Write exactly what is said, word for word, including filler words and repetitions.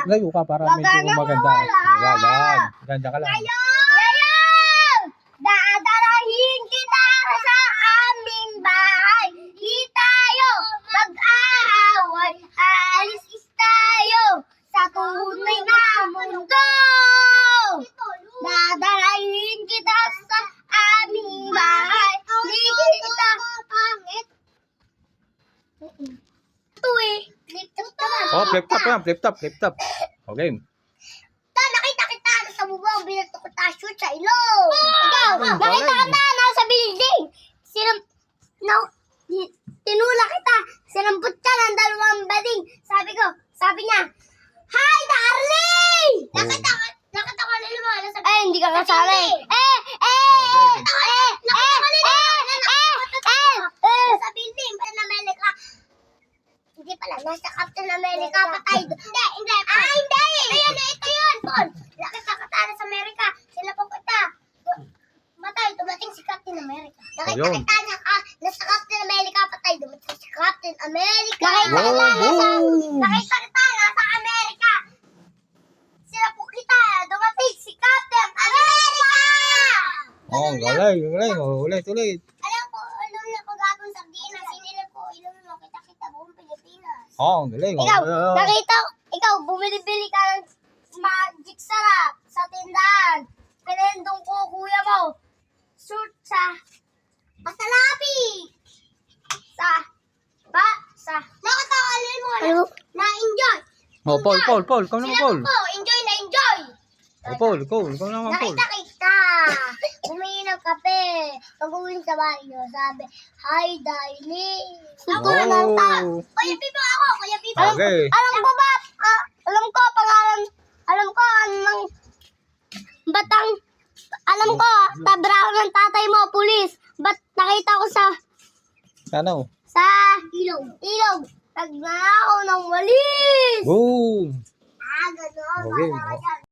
Layo ka para Wag medyo ka nang maganda. mawala. Gagan. Ganda ka lang. Ngayon! Dadalahin kita sa aming bahay. Di tayo mag-aaway. Alis tayo sa tunay na mundo. Dadalahin kita sa aming bahay. Di kita pangit. Ito eh. Flip-top naman. Oh, flip top yan. Flip top, flip top. Okay. Ta, nakita kita sa bubong, binato ko ta shoot sa ilong. Ikaw, Ay, nakita galing. kita nasa building. Sinam, no, di- tinula kita. Sinampot ka ng dalawang bading. Sabi ko, sabi niya, Hi, darling! Oh. Nakita ko, nakita ko na mo. Eh, hindi ka kasali. Eh, eh, eh, eh, eh, eh, eh, eh, sa building, Captain America. Hindi pala, nasa Captain America patay. Hindi, hindi. Ah, hindi! Ayun, ito yun, Paul. Nakita ka tayo sa Amerika. Sila pupunta. Matay, dumating si Captain America. Nakita Ayun. kita na nasa Captain America patay. Dumating si Captain America. Nakita Wow, kita nasa, boom. nakita kita nasa Amerika. Sila po kita. Dumating si Captain America. Oh, galing, galing. Oh, ulit, ulit. Alam ko, alam na ko gagawin sa Dina. Sinilip ko, ilan mo kita-kita buong Pilipinas. Oh, galing. Ikaw, Oh, oh, oh. nakita, ikaw, bumili-bili ka ng magic sarap sa tindahan. Pinendong ko, kuya mo. Shoot sa masalapi. Sa, ba, sa, nakatawalin mo na, na-enjoy. Oh, Paul, Paul, Paul. Ikaw naman, Paul. Sinabi ko, enjoy na enjoy. Oh, Paul, Paul. Ikaw naman, Paul. Nakita kita. Bumili ng kape. Pag-uwi sa bahay niyo, sabi, Hi, darling. Ako na lang ta. Oh. Kuya Pipo ako, Kuya Pipo. Okay. Alam ko ba, ah, alam ko, pangalan, alam ko, anong batang, alam ko, tabraho ng tatay mo, pulis. Ba't nakita ko sa, Ano? sa ilog, ilog. Nagnakaw ng walis. Boom. Ah, gano'n. Okay. Wala ka dyan.